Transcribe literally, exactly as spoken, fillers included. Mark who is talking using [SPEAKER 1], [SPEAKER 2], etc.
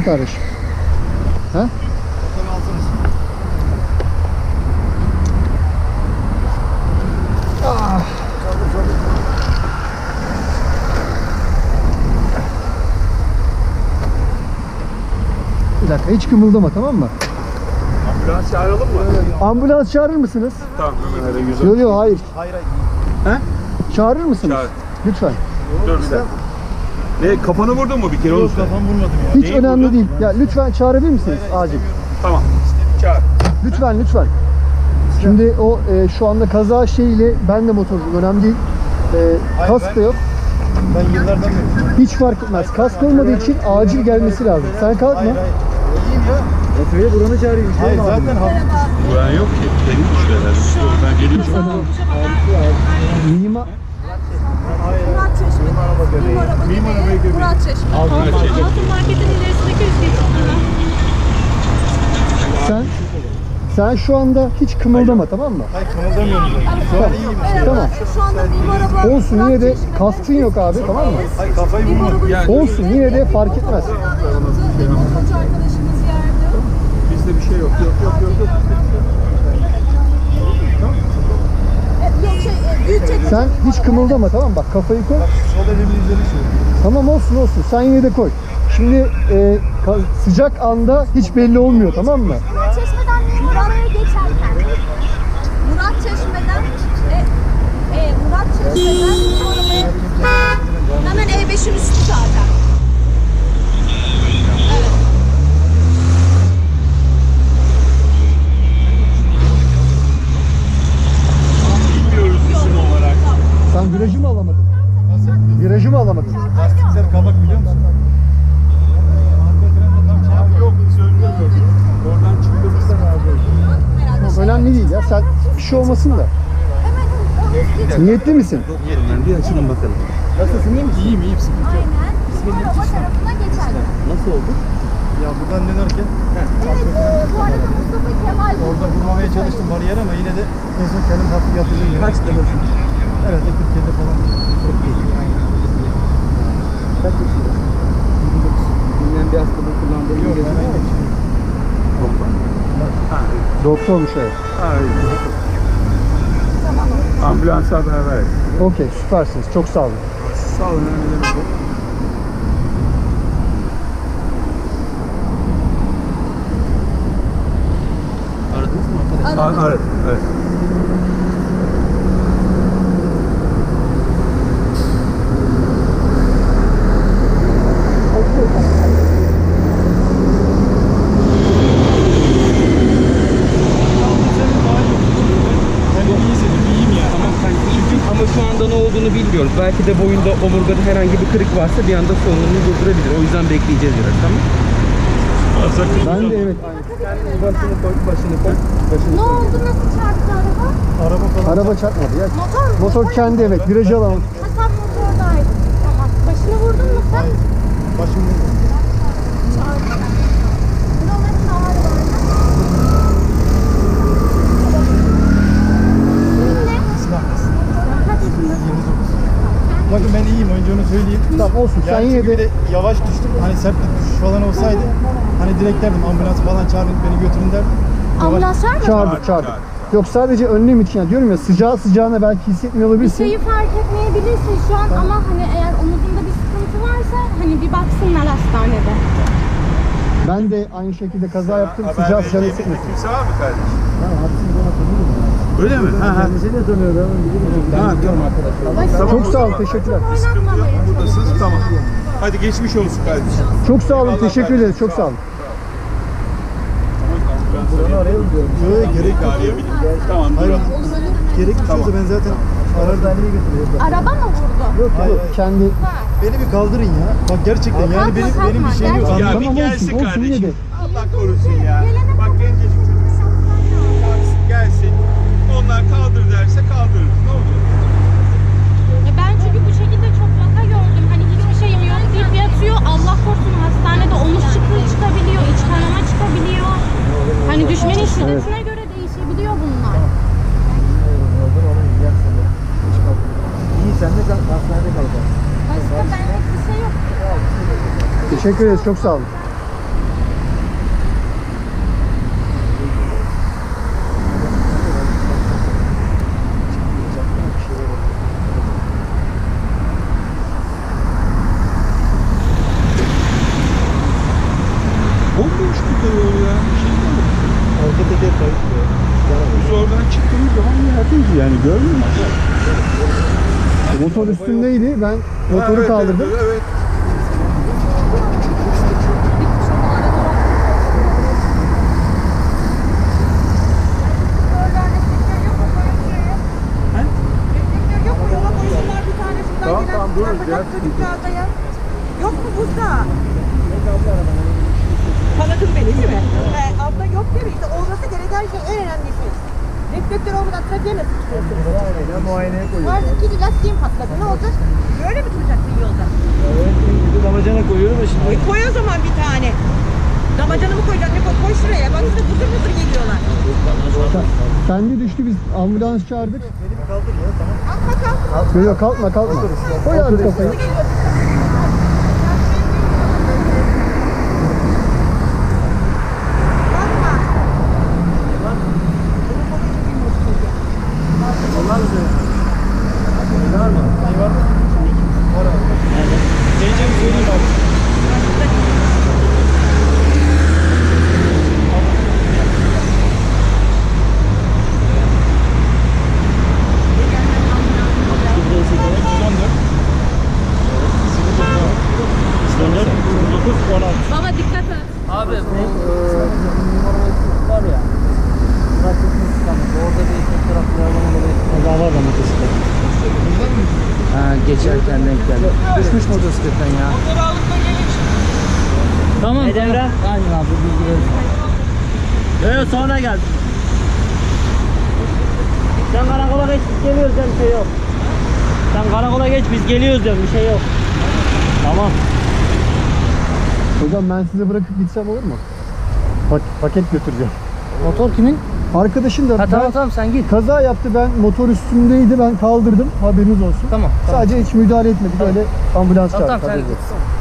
[SPEAKER 1] kardeşim? Ha?
[SPEAKER 2] Motoru alsanız.
[SPEAKER 1] Ah. Bir dakika, hiç kımıldama, tamam mı?
[SPEAKER 3] Ambulans çağıralım mı?
[SPEAKER 1] Ambulans çağırır mısınız?
[SPEAKER 3] Tamam, hemen öyle güzel.
[SPEAKER 1] Yok yok, hayır.
[SPEAKER 2] Hayır hayır.
[SPEAKER 1] He? Çağırır mısınız?
[SPEAKER 3] Çağır.
[SPEAKER 1] Lütfen.
[SPEAKER 3] Dur bir dakika. Ne, kafanı vurdun mu bir kere?
[SPEAKER 2] Yok,
[SPEAKER 3] Yok,
[SPEAKER 2] kafam vurmadım ya.
[SPEAKER 1] Hiç önemli değil. Ya lütfen çağırabilir misiniz? Acil.
[SPEAKER 3] Tamam. Çağır.
[SPEAKER 1] Lütfen lütfen. Şimdi o e, şu anda kaza şeyiyle ben de motorcuyum, önemli değil. E,
[SPEAKER 2] Hayır,
[SPEAKER 1] kask
[SPEAKER 2] ben-
[SPEAKER 1] da yok.
[SPEAKER 2] Ben yıllardan beri.
[SPEAKER 1] Hiç fark etmez. Kask olmadığı için acil gelmesi lazım. Sen kalkma.
[SPEAKER 2] Hayır hayır. İyiyim ya.
[SPEAKER 1] Motorya buranı çağırayım.
[SPEAKER 2] Hayır zaten hafif.
[SPEAKER 3] Güven yok ki. Benim düştü herhalde. Ben geliyorum.
[SPEAKER 1] Mimar.
[SPEAKER 4] Murat Çeşme. Mim araba gibi. Murat Çeşme.
[SPEAKER 5] Altın marketin ilerisindeki üst geçitinde.
[SPEAKER 1] Sen sen şu anda hiç kımıldama, tamam mı?
[SPEAKER 2] Hayır kımıldamıyorum zaten. Şu an iyiyim işte.
[SPEAKER 1] Tamam.
[SPEAKER 4] Şu anda Mim araba.
[SPEAKER 1] Olsun, yine de kaskın yok abi, tamam mı?
[SPEAKER 2] Hayır kafayı
[SPEAKER 4] Mim
[SPEAKER 2] vurmadım.
[SPEAKER 4] araba.
[SPEAKER 1] Olsun, yine de fark etmez.
[SPEAKER 4] Motorcu arkadaşımız yerde.
[SPEAKER 3] Bizde bir şey yok. Yok yok yok. yok.
[SPEAKER 4] E, Yok şey, e, büyük çekmece.
[SPEAKER 1] Sen hiç kımıldama, tamam mı? Bak kafayı koy.
[SPEAKER 2] Bak sol elimin üzerine şey.
[SPEAKER 1] Tamam, olsun olsun. Sen yine de koy. Şimdi e, ka- sıcak anda hiç belli olmuyor, tamam mı?
[SPEAKER 4] Murat Çeşme'den Mim arabaya geçerken. Murat Çeşme'den e, e, Murat Çeşme'den Mim arabaya. Hemen E beşin üstü zaten. Evet.
[SPEAKER 3] Bilmiyoruz isim olarak.
[SPEAKER 1] Sen virajı mı alamadın?
[SPEAKER 2] Nasıl?
[SPEAKER 1] Virajı mı alamadın?
[SPEAKER 2] Lastikler kabak biliyor musun? Arka frende tam şey
[SPEAKER 3] Abi yok, biz önlüyoruz. Oradan çıktığımızda ne yapıyoruz?
[SPEAKER 4] Herhalde
[SPEAKER 1] Yok,
[SPEAKER 4] şey-
[SPEAKER 1] önemli değil ya. Sen bir şey olmasın da.
[SPEAKER 4] Hemen o üst geçit.
[SPEAKER 1] Niyetli misin?
[SPEAKER 3] Bir açılın bakalım.
[SPEAKER 1] Nasılsın, iyi misin?
[SPEAKER 2] İyiyim iyiyim sıkıntı yok.
[SPEAKER 4] Aynen. Mim araba tarafına geçerken.
[SPEAKER 1] Nasıl oldu?
[SPEAKER 2] Ya buradan dönerken
[SPEAKER 4] Evet, e, bu arada Mustafa Kemal
[SPEAKER 2] orada vurmamaya çalıştım bariyer ama yine de en son kendim hafif yatırdım.
[SPEAKER 1] Kaç kilosun?
[SPEAKER 2] Herhalde kırk yedi falan.
[SPEAKER 1] Kaç yaşında? Bilmem bir hastalığı kullandığını
[SPEAKER 2] Yok
[SPEAKER 1] geziyor
[SPEAKER 2] herhangi bir şey.
[SPEAKER 1] Doktormuş, evet.
[SPEAKER 3] Ambulansa haber ver.
[SPEAKER 1] Okey, süpersiniz. Çok sağ olun.
[SPEAKER 3] Sağ olun. Ne demek o?
[SPEAKER 1] Aradınız mı arkadaşlar?
[SPEAKER 3] Aa, evet. Evet.
[SPEAKER 2] Ben iyi hissediyorum, iyiyim ya.
[SPEAKER 6] Tamam kanka çünkü ama şu anda ne olduğunu bilmiyoruz. Belki de boyunda omurgada herhangi bir kırık varsa bir anda solunumunu durdurabilir. O yüzden bekleyeceğiz biraz, tamam?
[SPEAKER 1] Ben de evet.
[SPEAKER 6] Başını koy, başını koy.
[SPEAKER 4] Ne oldu? Nasıl çarptı araba?
[SPEAKER 2] Araba falan.
[SPEAKER 1] Araba çarpmadı ya.
[SPEAKER 4] Motor mu?
[SPEAKER 1] Motor kendi, evet. Virajı alamadı.
[SPEAKER 4] Ha, sen motordaydın. Tamam. Başını vurdun mu sen?
[SPEAKER 2] Hayır. Başım vurdu.
[SPEAKER 4] Çarptı. Kilometre ağrı var. Senin ne?
[SPEAKER 2] İslam.
[SPEAKER 4] Kaç yaşındasın?
[SPEAKER 2] yirmi dokuz. Bakın ben iyiyim, önce onu söyleyeyim.
[SPEAKER 1] Tamam, olsun. Sen
[SPEAKER 2] Yani
[SPEAKER 1] yine
[SPEAKER 2] çünkü bir
[SPEAKER 1] de...
[SPEAKER 2] de yavaş düştüm. Hani sert bir düşüş falan olsaydı hani direkt derdim ambulans falan çağırın beni götürün derdim. Yavaş-
[SPEAKER 4] Ambulans var mı?
[SPEAKER 1] Çağırdık, çağırdık. Yok, sadece önlem için. Yani diyorum ya, sıcağı sıcağına belki hissetmiyor
[SPEAKER 4] Bir
[SPEAKER 1] olabilirsin.
[SPEAKER 4] şeyi fark etmeyebilirsin şu an ama hani eğer omuzunda bir sıkıntı varsa hani bir baksınlar hastanede.
[SPEAKER 1] Ben de aynı şekilde kaza yaptım.
[SPEAKER 3] Haber
[SPEAKER 1] Sıcağı sıcağına
[SPEAKER 3] vereceğimiz
[SPEAKER 1] hissetmesin.
[SPEAKER 3] kimse var mı kardeşim?
[SPEAKER 1] Tamam, hadisini bana tanıyorum.
[SPEAKER 3] Öyle mi? Ha ha.
[SPEAKER 1] Kendisi de tanıyorum.
[SPEAKER 3] Ha, tamam arkadaşlar.
[SPEAKER 4] Başını
[SPEAKER 3] Tamam,
[SPEAKER 1] Çok
[SPEAKER 3] o
[SPEAKER 1] sağ olun,
[SPEAKER 3] zaman.
[SPEAKER 1] teşekkürler.
[SPEAKER 3] Bir sıkıntı yok.
[SPEAKER 4] Oynatmamaya
[SPEAKER 3] Buradasınız. Tamam. Hadi geçmiş olsun kardeşim.
[SPEAKER 1] Çok sağ olun,
[SPEAKER 3] Eyvallah
[SPEAKER 1] teşekkür
[SPEAKER 3] kardeşim,
[SPEAKER 1] ederiz. Çok
[SPEAKER 3] sağ
[SPEAKER 1] sağ
[SPEAKER 3] ol.
[SPEAKER 1] olun.
[SPEAKER 3] Buranı arayalım diyorum.
[SPEAKER 2] Yok gerek yok.
[SPEAKER 3] Arayabilirim. Tamam,
[SPEAKER 2] Hayır,
[SPEAKER 3] duralım.
[SPEAKER 2] gerek bir şey olsa ben zaten arardan
[SPEAKER 4] Araba mı vurdu?
[SPEAKER 1] Yok
[SPEAKER 2] Hayır,
[SPEAKER 1] yok,
[SPEAKER 2] hayır.
[SPEAKER 1] kendi...
[SPEAKER 4] Ha.
[SPEAKER 2] beni bir kaldırın ya. Bak gerçekten yani
[SPEAKER 4] kalkma,
[SPEAKER 2] benim benim bir
[SPEAKER 4] kalkma,
[SPEAKER 2] şeyim yok.
[SPEAKER 4] gerçekten.
[SPEAKER 3] Ya
[SPEAKER 2] Anladın
[SPEAKER 3] bir
[SPEAKER 2] mı?
[SPEAKER 1] olsun,
[SPEAKER 3] gelsin
[SPEAKER 1] olsun, yine de.
[SPEAKER 3] kardeşim. Allah korusun ya. Bak gencecik çocuk. Kalksın, gelsin. Onlar kaldır derse kaldırırız. Ne olacak?
[SPEAKER 5] Ya ben çünkü bu şekilde çok vaka gördüm. Hani hiçbir şeyim yok deyip yatıyor. Allah korusun hastanede omuz çıkığı çıkabiliyor, iç kanama çıkabiliyor. Hani düşmenin şiddetine göre değişebiliyor bunlar.
[SPEAKER 1] İyi, sen de hastanede kalacaksın.
[SPEAKER 4] Başka benlik bir şey yok.
[SPEAKER 1] Teşekkür ederiz, çok sağ olun.
[SPEAKER 2] teker kayıp.
[SPEAKER 3] Biz oradan çıktığımız zaman yerdeydi yani görmüyor musun?
[SPEAKER 1] Motor üstündeydi. Ben motoru
[SPEAKER 3] Evet,
[SPEAKER 1] kaldırdım.
[SPEAKER 3] Evet, evet.
[SPEAKER 7] Yok mu? Yola koysunlar bir tane şuradan
[SPEAKER 3] Tamam,
[SPEAKER 7] gelen
[SPEAKER 3] tamam, buyurun,
[SPEAKER 7] yapacak
[SPEAKER 3] gel.
[SPEAKER 7] çocuklarda ya. Yok mu buzda? Tanıdın beni değil mi? He, abla yok değil mi? İşte olması gereken şey en önemli şey. Reflektör olmadan trafiğe nasıl çıkıyorsunuz?
[SPEAKER 2] Ya muayeneye koyuyoruz.
[SPEAKER 7] Var iki lastiğim patladı. Ne olacak? Böyle mi duracaksın yolda?
[SPEAKER 2] Evet, şimdi damacana koyuyorum da şimdi.
[SPEAKER 7] E koy o zaman bir tane. Damacanı mı koyacaksın? Ne koy? Koy şuraya. Bak şurada buzur buzur geliyorlar.
[SPEAKER 1] Kendi düştü, biz ambulans çağırdık.
[SPEAKER 2] Beni bir kaldır ya tamam.
[SPEAKER 7] Kalkma kalk.
[SPEAKER 1] Yok yok, kalkma kalkma. Koy abi kafayı.
[SPEAKER 2] Onlar mı söylüyorsun? Ne var mı? Ne var mı? Var abi. Nerede? Geleceğim söyleyeyim abi.
[SPEAKER 5] Baba dikkat et.
[SPEAKER 8] Abi bu eee var ya. Bırakın İstanbul'da orada bir tek taraflı yarlamalı bir kaza var da motosiklet. Ha geçerken denk geldi. Düşmüş motosikletten ya. Tamam. Ne devre? Aynen abi bilgi verin. Evet sonra gel. Sen karakola geç biz geliyoruz diyorum bir şey yok. Sen karakola geç biz geliyoruz diyorum bir şey yok. Tamam.
[SPEAKER 1] Hocam ben size bırakıp gitsem olur mu? Pak- paket götüreceğim.
[SPEAKER 8] Motor kimin?
[SPEAKER 1] Arkadaşım da
[SPEAKER 8] Ha
[SPEAKER 1] ben-
[SPEAKER 8] tamam tamam sen git.
[SPEAKER 1] kaza yaptı, ben motor üstündeydi, ben kaldırdım, haberiniz olsun.
[SPEAKER 8] Tamam.
[SPEAKER 1] Sadece hiç müdahale etmedik, öyle ambulans
[SPEAKER 8] Tamam
[SPEAKER 1] çağırdık.
[SPEAKER 8] tamam sen
[SPEAKER 1] haberiniz
[SPEAKER 8] git.
[SPEAKER 1] olsun.